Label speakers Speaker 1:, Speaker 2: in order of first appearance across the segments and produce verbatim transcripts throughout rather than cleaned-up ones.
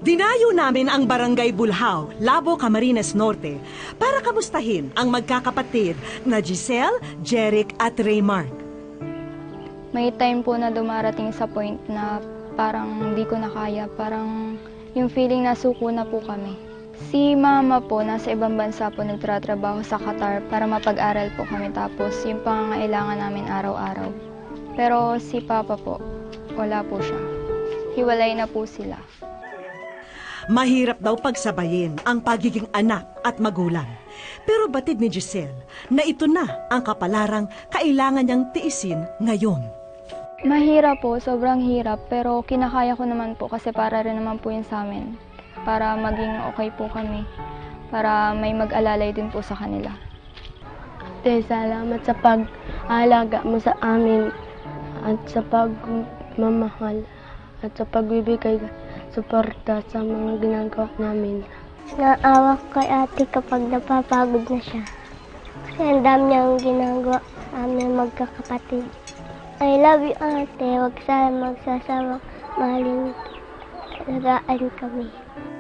Speaker 1: Dinayo namin ang Barangay Bulhaw, Labo, Camarines Norte para kamustahin ang magkakapatid na Giselle, Jeric at Raymark.
Speaker 2: May time po na dumarating sa point na parang hindi ko na kaya, parang yung feeling na suko na po kami. Si mama po, nasa ibang bansa po nagtratrabaho sa Qatar para mapag-aral po kami, tapos yung pangangailangan namin araw-araw. Pero si papa po, wala po siya. Hiwalay na po sila.
Speaker 1: Mahirap daw pagsabayin ang pagiging anak at magulang. Pero batid ni Giselle na ito na ang kapalarang kailangan niyang tiisin ngayon.
Speaker 2: Mahirap po, sobrang hirap, pero kinakaya ko naman po kasi para rin naman po yun sa amin. Para maging okay po kami, para may mag-alalay din po sa kanila.
Speaker 3: Ate, salamat sa pag-aalaga mo sa amin at sa pagmamahal at sa pagbibigay suporta sa mga ginagawa namin.
Speaker 4: Naawa kay ate kapag napapagod na siya. Kasi ang dami niyang ginagawa sa amin magkakapatid. I love you, ate. Huwag sana magsasama. Mahalin, alagaan kami.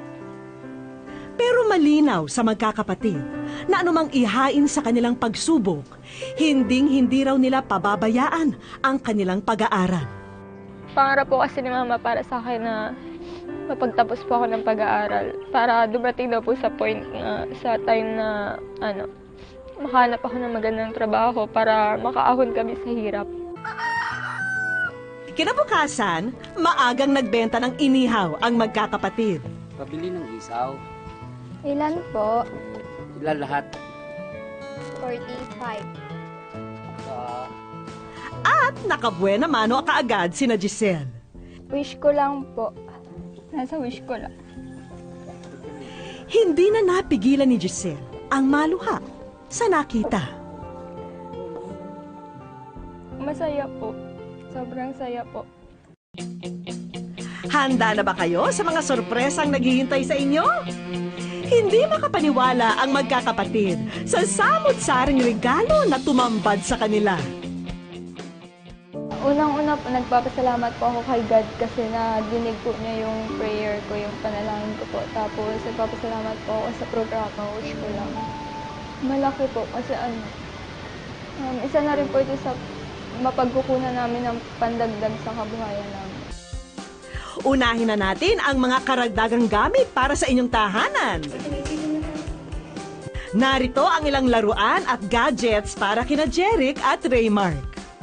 Speaker 1: Pero malinaw sa magkakapatid na anumang ihain sa kanilang pagsubok, hinding-hindi raw nila pababayaan ang kanilang pag-aaral.
Speaker 2: Pangarap po kasi ni mama para sa akin na mapagtapos po ako ng pag-aaral para dumating daw po sa point na sa time na ano, makahanap ako ng magandang trabaho para makaahon kami sa hirap.
Speaker 1: Kinabukasan, maagang nagbenta ng inihaw ang magkakapatid.
Speaker 5: Pabili ng isaw.
Speaker 2: Ilan po?
Speaker 5: Ilan lahat?
Speaker 2: forty-five.
Speaker 5: Uh,
Speaker 1: At nakabuena mano kaagad sina Giselle.
Speaker 2: Wish ko lang po. Nasa wish ko lang.
Speaker 1: Hindi na napigilan ni Giselle ang maluha sa nakita.
Speaker 2: Masaya po. Sobrang saya po.
Speaker 1: Handa na ba kayo sa mga sorpresang naghihintay sa inyo? Hindi makapaniwala ang magkakapatid sa samot-saring regalo na tumambad sa kanila.
Speaker 2: Unang-una po, nagpapasalamat po ako kay God kasi nadinig po niya yung prayer ko, yung panalangin ko po. Tapos nagpapasalamat po ako sa programa, wish ko lang. Malaki po kasi ano, um, isa na rin po ito sa mapagkukunan namin ng pandagdag sa kabuhayan namin.
Speaker 1: Unahin na natin ang mga karagdagang gamit para sa inyong tahanan. Narito ang ilang laruan at gadgets para kina Jeric at Raymark.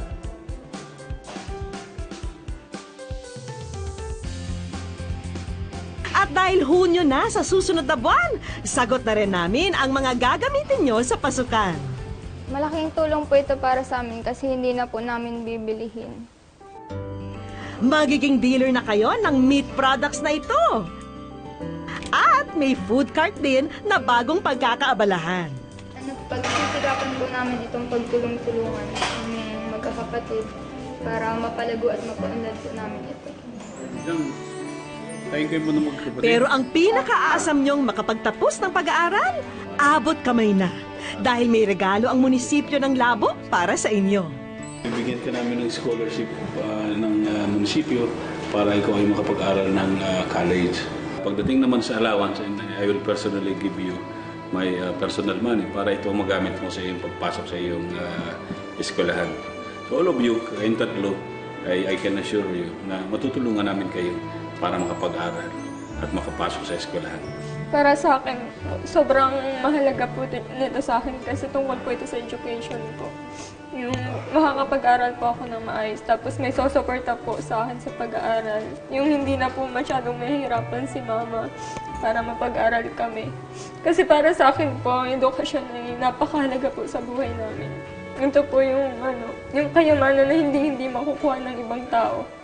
Speaker 1: At dahil Hunyo na sa susunod na buwan, sagot na rin namin ang mga gagamitin nyo sa pasukan.
Speaker 2: Malaking tulong po ito para sa amin kasi hindi na po namin bibilihin.
Speaker 1: Magiging dealer na kayo ng meat products na ito. At may food cart din na bagong pagkakaabalahan.
Speaker 2: Ano, pagsisirapan po namin itong pagtulong-tulungan ng magkakapatid para mapalago at mapaunlad po namin ito.
Speaker 1: Pero ang pinakaasam nyong makapagtapos ng pag-aaral, abot kamay na. Dahil may regalo ang munisipyo ng Labo para sa inyo.
Speaker 6: Bibigyan ka namin ng scholarship uh, ng uh, munisipyo para ikaw ay makapag-aral ng uh, college. Pagdating naman sa allowance, I will personally give you my uh, personal money para ito magamit mo sa iyong pagpasok sa iyong uh, eskwelahan. So all of you, kayong tatlo, I, I can assure you na matutulungan namin kayo para makapag-aral at makapasok sa eskwelahan.
Speaker 2: Para sa akin, sobrang mahalaga po nito sa akin kasi tungkol po ito sa education ko. Yung makakapag-aral po ako ng maayos, tapos may sosuporta po sa akin sa pag-aaral. Yung hindi na po masyadong mahihirapan si mama para mapag-aral kami. Kasi para sa akin po, ang edukasyon ay napakahalaga po sa buhay namin. Ito po yung, ano, yung kayamanan na hindi-hindi makukuha ng ibang tao.